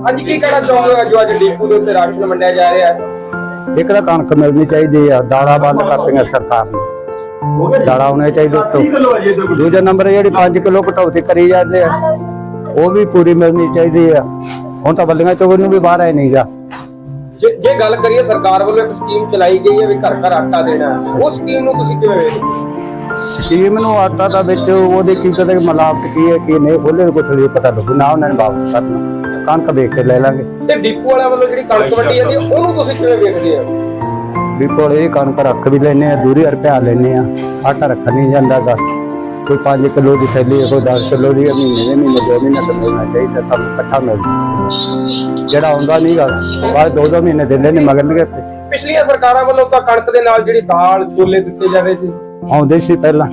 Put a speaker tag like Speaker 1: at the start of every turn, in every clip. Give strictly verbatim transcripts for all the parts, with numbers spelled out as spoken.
Speaker 1: ਅੱਜ ਕੀ ਕਹਿਣਾ ਚਾਹੋਗੇ ਜੋ ਅੱਜ ਡੀਪੂ ਦੇ ਉੱਤੇ ਰਾਸ਼ਨ ਵੰਡਿਆ ਜਾ ਰਿਹਾ ਹੈ?
Speaker 2: ਇੱਕ ਤਾਂ ਕਣਕ ਮਿਲਣੀ ਚਾਹੀਦੀ ਆ, ਦਾਲਾਂ ਬੰਦ ਕਰਤੀਆਂ ਸਰਕਾਰ ਨੇ, ਦਾਲਾਂ ਹੋਣੇ ਚਾਹੀਦੇ ਉੱਤੋਂ। ਦੂਜਾ ਨੰਬਰ ਜਿਹੜੀ ਪੰਜ ਕਿਲੋ ਕਟੌਤੀ ਕਰੀ ਜਾਂਦੇ ਆ ਉਹ ਵੀ ਪੂਰੀ ਮਿਲਣੀ ਚਾਹੀਦੀ ਆ। ਹੁਣ ਤਾਂ ਬੱਲੀਆਂ ਚੋਂ ਨੂੰ ਵੀ ਬਾਹਰ ਆਏ ਨਹੀਂਗਾ।
Speaker 1: ਜੇ ਜੇ ਗੱਲ ਕਰੀਏ ਸਰਕਾਰ ਵੱਲੋਂ ਇੱਕ ਸਕੀਮ ਚਲਾਈ ਗਈ ਹੈ ਵੀ ਘਰ ਘਰ ਆਟਾ ਦੇਣਾ, ਉਹ ਸਕੀਮ ਨੂੰ ਤੁਸੀਂ ਕਿਵੇਂ ਵੇਖਦੇ ਹੋ?
Speaker 2: ਸਕੀਮ ਨੂੰ ਆਟਾ ਦਾ ਵਿੱਚ ਉਹਦੇ ਕੀ ਕਦੇ ਮਿਲਾਵਟ ਕੀ ਹੈ ਕੀ ਨਹੀਂ ਖੋਲੇ ਕੁਛ ਨਹੀਂ ਪਤਾ ਲੱਗੂ ਨਾ। ਉਹਨਾਂ ਨੇ ਵਾਪਸ ਕਰਨਾ, ਕਣਕ ਵੇਚ ਕੇ ਲੈ ਲਾਂਗੇ।
Speaker 1: ਤੇ ਡੀਪੂ ਵਾਲਿਆਂ ਵੱਲੋਂ ਜਿਹੜੀ ਕਣਕ ਵੰਡੀ ਜਾਂਦੀ ਹੈ ਉਹਨੂੰ ਤੁਸੀਂ ਕਿਵੇਂ ਵੇਖਦੇ ਹੋ?
Speaker 2: ਵੀ ਕੋਲੇ ਕਣਕ ਰੱਖ ਵੀ ਲੈਨੇ ਆ, ਦੂਰੀ ਰੁਪਿਆ ਲੈਨੇ ਆ, ਆਟਾ ਰੱਖ ਨਹੀਂ ਜਾਂਦਾਗਾ। ਕੋਈ ਪੰਜ ਕਿਲੋ ਦੀ ਥੈਲੀ, ਕੋਈ ਦਸ ਕਿਲੋ ਦੀ, ਮਹੀਨੇ ਦੇ ਮਹੀਨੇ ਦੋ ਮਹੀਨੇ ਤੋਂ ਮਿਲਣਾ ਚਾਹੀਦਾ ਸਾਨੂੰ ਇਕੱਠਾ ਮਿਲਦਾ। ਜਿਹੜਾ ਆਉਂਦਾ ਨਹੀਂਗਾ ਬਾਅਦ ਦੋ ਦੋ ਮਹੀਨੇ ਦਿੰਦੇ ਨੇ ਮਗਰਨਗੇ।
Speaker 1: ਪਿਛਲੀਆਂ ਸਰਕਾਰਾਂ ਵੱਲੋਂ ਤਾਂ ਕਣਕ ਦੇ ਨਾਲ ਜਿਹੜੀ ਦਾਲ ਛੋਲੇ ਦਿੱਤੇ ਜਾਂਦੇ ਸੀ,
Speaker 2: ਆਉਂਦੇ ਸੀ ਪਹਿਲਾਂ,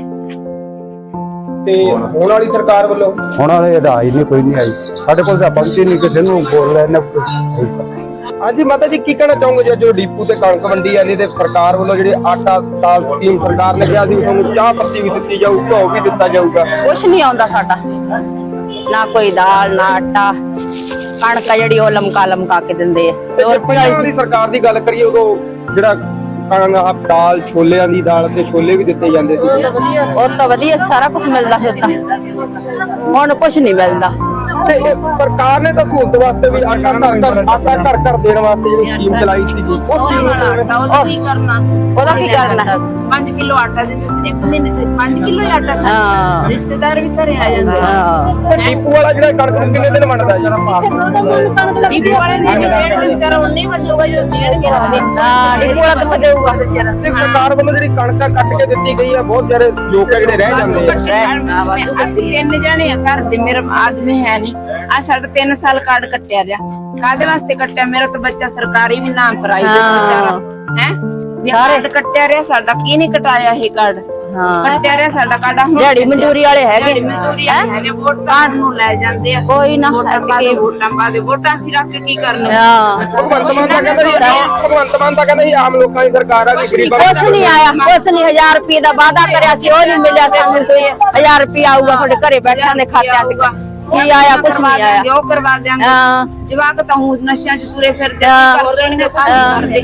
Speaker 1: ਤੇ ਹੁਣ ਵਾਲੀ ਸਰਕਾਰ ਵੱਲੋਂ
Speaker 2: ਹੁਣ ਵਾਲੇ ਇਹਦਾ ਆਈ ਨਹੀਂ, ਕੋਈ ਨਹੀਂ ਆਈ ਸਾਡੇ ਕੋਲ ਤਾਂ ਪਹੁੰਚੀ ਨਹੀਂ, ਕਿਸੇ ਨੂੰ ਬੋਲ ਰਹੇ ਨੇ।
Speaker 1: ਹਾਂਜੀ ਮਾਤਾ ਜੀ, ਕੀ ਕਹਿਣਾ ਚਾਹੋਗੇ ਜੋ ਡੀਪੂ ਤੇ ਕਣਕ ਵੰਡੀ ਜਾਂਦੀ ਤੇ ਸਰਕਾਰ ਵੱਲੋਂ ਜਿਹੜੇ ਆਟਾ ਦਾਲ ਸਕੀਮ ਸਰਕਾਰ ਨੇ ਕਿਹਾ ਸੀ ਤੁਹਾਨੂੰ ਚਾਹ ਪੱਤੀ ਵੀ ਦਿੱਤੀ ਜਾਊ, ਘਿਓ ਵੀ ਦਿੱਤਾ ਜਾਊਗਾ,
Speaker 3: ਕੁਛ ਨਹੀਂ ਆਉਂਦਾ ਸਾਡਾ, ਨਾ ਕੋਈ ਦਾਲ ਨਾ ਆਟਾ। ਕਣਕ ਜਿਹੜੀ ਉਹ ਲਮਕਾ ਲਮਕਾ ਕੇ ਦਿੰਦੇ ਆ।
Speaker 1: ਤੇ ਜੇ ਪਹਿਲਾਂ ਦੀ ਸਰਕਾਰ ਦੀ ਗੱਲ ਕਰੀਏ ਉਦੋਂ ਜਿਹੜਾ ਕਣਕ ਦਾਲ ਛੋਲਿਆਂ ਦੀ ਦਾਲ ਤੇ ਛੋਲੇ ਵੀ ਦਿੱਤੇ ਜਾਂਦੇ ਸੀ,
Speaker 3: ਉਹ ਤਾਂ ਵਧੀਆ ਸਾਰਾ ਕੁਝ ਮਿਲਦਾ ਸੀ। ਹੁਣ ਕੁਛ ਨਹੀਂ ਮਿਲਦਾ।
Speaker 1: ਤੇ ਸਰਕਾਰ ਨੇ ਤਾਂ ਸਹੂਲਤ ਵਾਸਤੇ ਵੀ ਆਟਾ ਘਰ ਘਰ ਆਟਾ ਘਰ ਘਰ ਦੇਣ ਵਾਸਤੇ ਜਿਹੜੀ ਸਕੀਮ ਚਲਾਈ ਸੀ, ਉਸ ਸਕੀਮ ਨੂੰ
Speaker 4: ਉਹਦਾ ਕੀ ਕਰਨਾ ਸੀ?
Speaker 3: ਉਹਦਾ ਕੀ ਕਰਨਾ?
Speaker 4: ਪੰਜ ਕਿਲੋ ਆਟਾ ਦਿੰਦੇ ਸੀ ਇੱਕ ਮਹੀਨੇ ਚ, ਪੰਜ ਕਿਲੋ ਆਟਾ।
Speaker 3: ਹਾਂ,
Speaker 4: ਰਿਸ਼ਤੇਦਾਰ ਵੀ ਘਰੇ ਆ ਜਾਂਦੇ ਆ।
Speaker 1: ਤੇ ਡੀਪੂ ਵਾਲਾ ਜਿਹੜਾ ਕਣਕ ਨੂੰ ਕਿੰਨੇ ਦਿਨ ਵੰਡਦਾ ਜੀ?
Speaker 4: ਡੀਪੂ ਵਾਲੇ ਨੇ ਦੇਣ ਦੇ ਵਿਚਾਰਾ ਉਹਨੇ ਵੰਡੂਗਾ ਜਦੋਂ ਦੇਣਗੇ।
Speaker 3: ਹਾਂ, ਡੀਪੂ ਵਾਲਾ ਤਾਂ ਦੇਊਗਾ ਵਿਚਾਰਾ।
Speaker 1: ਤੇ ਸਰਕਾਰ ਵੱਲੋਂ ਜਿਹੜੀ ਕਣਕਾਂ ਕੱਟ ਕੇ ਦਿੱਤੀ ਗਈ ਆ, ਬਹੁਤ ਸਾਰੇ ਲੋਕ ਆ ਜਿਹੜੇ ਰਹਿ ਜਾਂਦੇ ਆ।
Speaker 4: ਅਸੀਂ ਤਿੰਨ ਜਾਣੇ ਆ ਘਰ ਦੇ, ਮੇਰਾ ਆਦਮੀ ਹੈ ਨਹੀਂ। ਆ ਸਾਡਾ ਤਿੰਨ ਸਾਲ ਕਾਰਡ ਕੱਟਿਆ ਰਿਹਾ। ਕਾਹਦੇ ਵਾਸਤੇ ਕੱਟਿਆ? ਮੇਰਾ ਤਾਂ ਬੱਚਾ ਸਰਕਾਰੀ ਵੀ ਨਾਮ ਪ੍ਰਾਈਵੇਟ ਵਿਚਾਰਾ ਹੈ। ਕਾਰਡ ਕੱਟਿਆ ਰਿਹਾ ਸਾਡਾ, ਕੀ ਨਹੀਂ ਕਟਾਇਆ ਇਹ ਕਾਰਡ? ਕੱਟਿਆ ਰਿਹਾ ਸਾਡਾ ਕਾਰਡ।
Speaker 3: ਦਿਹਾੜੀ ਮਜ਼ਦੂਰੀ ਵਾਲੇ ਹੈਗੇ,
Speaker 4: ਮਜ਼ਦੂਰੀ ਵਾਲੇ ਹੈਗੇ, ਵੋਟਾਂ ਨੂੰ ਲੈ ਜਾਂਦੇ ਆ।
Speaker 3: ਕੋਈ ਨਾ
Speaker 4: ਵੋਟਾਂ ਪਾ ਦੇ, ਵੋਟਾਂ ਪਾ ਦੇ, ਵੋਟਾਂ ਅਸੀਂ ਰੱਖ ਕੇ ਕੀ ਕਰਨਾ?
Speaker 1: ਭਗਵੰਤ ਮਾਨ ਤਾਂ ਕਹਿੰਦਾ ਸੀ ਭਗਵੰਤ ਮਾਨ ਤਾਂ ਕਹਿੰਦਾ ਸੀ ਆਮ ਲੋਕਾਂ ਦੀ ਸਰਕਾਰ ਆ ਵੀ ਗਰੀਬਾਂ
Speaker 3: ਕੁਛ ਨਹੀਂ ਆਇਆ, ਕੁਛ ਨਹੀਂ। ਹਜ਼ਾਰ ਰੁਪਏ ਦਾ ਵਾਅਦਾ ਕਰਿਆ ਸੀ, ਉਹ ਨਹੀਂ ਮਿਲਿਆ ਸਾਨੂੰ। ਕੋਈ ਹਜ਼ਾਰ ਰੁਪਏ ਆਊਗਾ ਤੁਹਾਡੇ ਘਰੇ ਬੈਠਿਆਂ ਦੇ ਖਾਤਿਆਂ 'ਚ, ਕੀ ਆਇਆ? ਕੁਛ ਨਹੀਂ ਆਇਆ।
Speaker 4: ਉਹ ਕਰਵਾ ਦਿਆਂਗੇ। ਜਵਾਕ ਤਾਂ ਹੁਣ ਨਸ਼ਿਆਂ 'ਚ ਤੁਰੇ ਫਿਰਦੇ ਕਰ ਦੇਣਗੇ ਸਾਰੇ।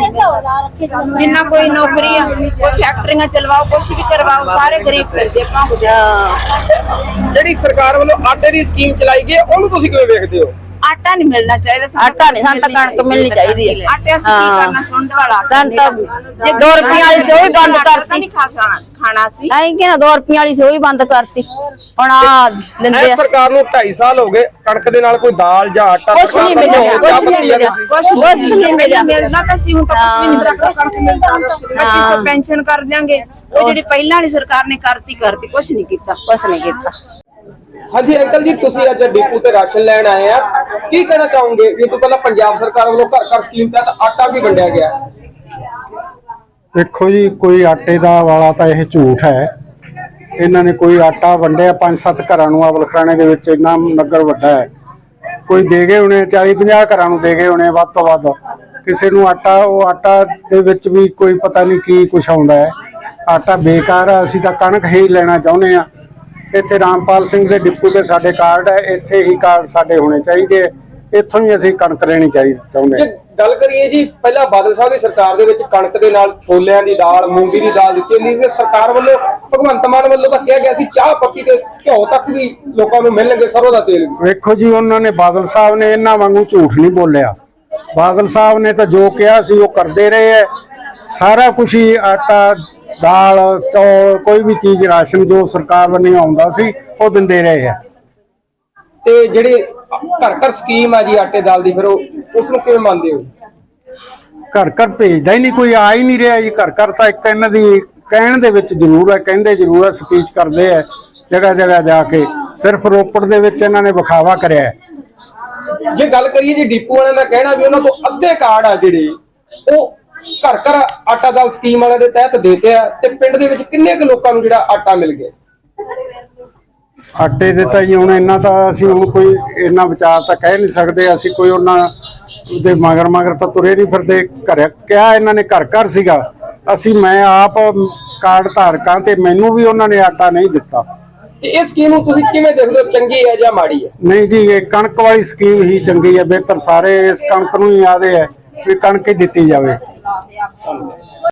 Speaker 4: ਜਿੰਨਾ ਕੋਈ ਨੌਕਰੀ ਆ, ਕੋਈ ਫੈਕਟਰੀਆਂ ਚਲਵਾਓ, ਕੁਛ ਵੀ ਕਰਵਾਓ, ਸਾਰੇ ਗਰੀਬ ਫਿਰਦੇ ਭਾਂਗ ਜਾ।
Speaker 1: ਜਿਹੜੀ ਸਰਕਾਰ ਵੱਲੋਂ ਆਟੇ ਦੀ ਸਕੀਮ ਚਲਾਈ ਗਈ ਉਹਨੂੰ ਤੁਸੀਂ ਕਿਵੇਂ ਵੇਖਦੇ ਹੋ?
Speaker 4: ਆਟਾ ਨਹੀਂ ਮਿਲਣਾ ਚਾਹੀਦਾ,
Speaker 3: ਆਟਾ ਨਹੀਂ, ਸਾਨੂੰ ਤਾਂ ਕਣਕ ਮਿਲਣੀ ਚਾਹੀਦੀ ਹੈ।
Speaker 4: ਆਟੇ ਅਸੀਂ ਕੀ ਕਰਨਾ? ਸੁੰਡ ਵਾਲਾ
Speaker 3: ਸਾਨੂੰ ਤਾਂ ਜੇ ਦੋ ਰੁਪਏ ਵਾਲੀ ਸੀ ਉਹ ਵੀ ਬੰਦ ਕਰਤੀ।
Speaker 4: ਨਹੀਂ ਖਾ ਖਾਣਾ ਸੀ
Speaker 3: ਨਹੀਂ ਕਿ ਨਾ ਦੋ ਰੁਪਏ ਵਾਲੀ ਸੀ ਉਹ ਵੀ ਬੰਦ ਕਰਤੀ। ਹੁਣ ਆ ਦਿੰਦੇ ਆ।
Speaker 1: ਸਰਕਾਰ ਨੂੰ ਢਾਈ ਸਾਲ ਹੋ ਗਏ, ਕਣਕ ਦੇ ਨਾਲ ਕੋਈ ਦਾਲ ਜਾਂ ਆਟਾ
Speaker 3: ਕੁਛ ਨਹੀਂ ਮਿਲਿਆ, ਕੁਛ ਨਹੀਂ ਮਿਲਿਆ, ਕੁਛ ਨਹੀਂ ਮਿਲਿਆ।
Speaker 4: ਮਿਲਣਾ ਤਾਂ ਸੀ, ਹੁਣ ਤਾਂ ਕੁਛ ਵੀ ਨਹੀਂ ਮਿਲਦਾ। ਕਣਕ ਮਿਲਦਾ, ਪੱਚੀ ਸੌ ਪੈਨਸ਼ਨ ਕਰ ਦਿਆਂਗੇ। ਉਹ ਜਿਹੜੀ ਪਹਿਲਾਂ ਵਾਲੀ ਸਰਕਾਰ ਨੇ ਕਰਤੀ ਕਰਤੀ, ਕੁਛ ਨਹੀਂ ਕੀਤਾ,
Speaker 3: ਕੁਛ ਨਹੀਂ ਕੀਤਾ।
Speaker 1: ਹਾਂਜੀ ਅੰਕਲ ਜੀ, ਤੁਸੀਂ ਅੱਜ ਡੀਪੂ ਤੇ ਰਾਸ਼ਨ ਲੈਣ ਆਏ ਆ, ਕੀ ਕਹਿਣਾ ਚਾਹੋਗੇ? ਇਹ ਤੋਂ ਪਹਿਲਾਂ ਪੰਜਾਬ ਸਰਕਾਰ ਵੱਲੋਂ ਘਰ ਘਰ ਸਕੀਮ ਤਹਿਤ ਆਟਾ ਵੀ ਵੰਡਿਆ ਗਿਆ।
Speaker 5: ਦੇਖੋ ਜੀ, ਕੋਈ ਆਟੇ ਦਾ ਵਾਲਾ ਤਾਂ ਇਹ ਝੂਠ ਹੈ। ਇਹਨਾਂ ਨੇ ਕੋਈ ਆਟਾ ਵੰਡਿਆ ਪੰਜ ਸੱਤ ਘਰਾਂ ਨੂੰ। ਅਵਲਖਰਾਣੇ ਦੇ ਵਿੱਚ ਇੰਨਾ ਨਗਰ ਵੱਡਾ ਹੈ, ਕੋਈ ਦੇ ਗਏ ਹੋਣੇ ਚਾਲੀ ਪੰਜਾਹ ਘਰਾਂ ਨੂੰ ਦੇ ਗਏ ਹੋਣੇ ਵੱਧ ਤੋਂ ਵੱਧ। ਕਿਸੇ ਨੂੰ ਆਟਾ, ਉਹ ਆਟਾ ਦੇ ਵਿੱਚ ਵੀ ਕੋਈ ਪਤਾ ਨਹੀਂ ਕੀ ਕੁਛ ਆਉਂਦਾ ਹੈ। ਆਟਾ ਬੇਕਾਰ ਆ। ਅਸੀਂ ਤਾਂ ਕਣਕ ਹੀ ਲੈਣਾ ਚਾਹੁੰਦੇ ਆ। ਇੱਥੇ ਰਾਮਪਾਲ ਸਿੰਘ ਦੇ ਡਿਪੂ ਤੇ ਸਾਡੇ ਕਾਰਡ ਹੈ, ਇੱਥੇ ਹੀ ਕਾਰਡ ਸਾਡੇ ਹੋਣੇ ਚਾਹੀਦੇ। ਇੱਥੋਂ ਹੀ ਅਸੀਂ ਕਣਕ ਲੈਣੀ ਚਾਹੀਦੀ ਚਾਹੁੰਦੇ।
Speaker 1: ਜੇ ਗੱਲ ਕਰੀਏ ਜੀ, ਪਹਿਲਾਂ ਬਾਦਲ ਸਾਹਿਬ ਦੀ ਸਰਕਾਰ ਦੇ ਵਿੱਚ ਕਣਕ ਦੇ ਨਾਲ ਛੋਲਿਆਂ ਦੀ ਦਾਲ, ਮੂੰਗੀ ਦੀ ਦਾਲ ਦਿੱਤੀ ਜਾਂਦੀ ਸੀ। ਸਰਕਾਰ ਵੱਲੋਂ, ਭਗਵੰਤ ਮਾਨ ਵੱਲੋਂ ਤਾਂ ਕਿਹਾ ਗਿਆ ਸੀ ਚਾਹ ਪੱਤੀ ਤੇ ਘਿਓ ਤੱਕ ਵੀ ਲੋਕਾਂ ਨੂੰ ਮਿਲਣਗੇ, ਸਰੋਂ ਦਾ ਤੇਲ ਵੀ।
Speaker 5: ਵੇਖੋ ਜੀ, ਉਹਨਾਂ ਨੇ ਬਾਦਲ ਸਾਹਿਬ ਨੇ ਇਹਨਾਂ ਵਾਂਗੂ ਝੂਠ ਨਹੀਂ ਬੋਲਿਆ। ਬਾਦਲ ਸਾਹਿਬ ਨੇ ਤਾਂ ਜੋ ਕਿਹਾ ਸੀ ਉਹ ਕਰਦੇ ਰਹੇ ਹੈ। ਸਾਰਾ ਕੁਝ ਹੀ ਆਟਾ, ਦਾਲ, ਚੌਲ, ਕੋਈ ਵੀ ਚੀਜ਼ ਰਾਸ਼ਨ ਜੋ ਸਰਕਾਰ ਵੱਲੋਂ ਆਉਂਦਾ ਸੀ ਉਹ ਦਿੰਦੇ ਰਹੇ ਆ।
Speaker 1: ਤੇ ਜਿਹੜੇ ਘਰ ਘਰ ਸਕੀਮ ਆ ਜੀ ਆਟੇ ਦਾਲ ਦੀ, ਫਿਰ ਉਹ ਉਸ ਨੂੰ ਕਿਵੇਂ ਮੰਨਦੇ ਹੋ?
Speaker 5: ਘਰ ਘਰ ਭੇਜਦਾ ਹੀ ਨਹੀਂ ਕੋਈ, ਆ ਹੀ ਨਹੀਂ ਰਿਹਾ ਜੀ। ਘਰ ਘਰ ਤਾਂ ਇੱਕ ਇਹਨਾਂ ਦੀ ਕਹਿਣ ਦੇ ਵਿੱਚ ਜ਼ਰੂਰ ਹੈ, ਕਹਿੰਦੇ ਜ਼ਰੂਰ ਹੈ, ਸਪੀਚ ਕਰਦੇ ਆ ਜਗ੍ਹਾ ਜਗ੍ਹਾ ਜਾ ਕੇ। ਸਿਰਫ ਰੋਪੜ ਦੇ ਵਿੱਚ ਇਹਨਾਂ ਨੇ ਵਿਖਾਵਾ ਕਰਿਆ।
Speaker 1: ਜੇ ਗੱਲ ਕਰੀਏ ਜੀ ਡੀਪੂ ਵਾਲਿਆਂ ਦਾ ਕਹਿਣਾ ਵੀ ਉਹਨਾਂ ਤੋਂ ਅੱਧੇ ਕਾਰਡ ਆ ਜਿਹੜੇ ਉਹ ਘਰ ਘਰ ਆਟਾ ਦਾਲ ਸਕੀਮ ਵਾਲਿਆਂ ਦੇ ਤਹਿਤ ਦੇਤੇ ਆ, ਤੇ ਪਿੰਡ ਦੇ ਵਿੱਚ ਕਿੰਨੇ ਕੁ ਲੋਕਾਂ ਨੂੰ ਜਿਹੜਾ ਆਟਾ ਮਿਲ ਗਿਆ?
Speaker 5: ਆਟੇ ਦੇ ਤਾਂ ਜੀ ਹੁਣ ਇੰਨਾ ਤਾਂ ਅਸੀਂ ਹੁਣ ਕੋਈ ਇੰਨਾ ਵਿਚਾਰ ਤਾਂ ਕਹਿ ਨਹੀਂ ਸਕਦੇ। ਅਸੀਂ ਕੋਈ ਉਹਨਾਂ ਦੇ ਮਗਰ ਮਗਰ ਤਾਂ ਤੁਰੇ ਨਹੀਂ ਫਿਰਦੇ। ਘਰ ਕਿਹਾ ਇਹਨਾਂ ਨੇ ਘਰ ਘਰ ਸੀਗਾ। ਅਸੀਂ ਮੈਂ ਆਪ ਕਾਰਡ ਧਾਰਕਾਂ ਤੇ ਮੈਨੂੰ ਵੀ ਉਹਨਾਂ ਨੇ ਆਟਾ ਨਹੀਂ ਦਿੱਤਾ।
Speaker 1: ਤੇ ਇਹ ਸਕੀਮ ਨੂੰ ਤੁਸੀਂ ਕਿਵੇਂ ਦੇਖਦੇ ਹੋ, ਚੰਗੀ ਹੈ ਜਾਂ ਮਾੜੀ ਹੈ?
Speaker 5: ਨਹੀਂ ਜੀ, ਇਹ ਕਣਕ ਵਾਲੀ ਸਕੀਮ ਹੀ ਚੰਗੀ ਹੈ, ਬਿਹਤਰ ਸਾਰੇ ਇਸ ਕਣਕ ਨੂੰ ਹੀ ਆਦੇ ਹੈ ਵੀ ਕਣਕ ਹੀ ਦਿੱਤੀ ਜਾਵੇ।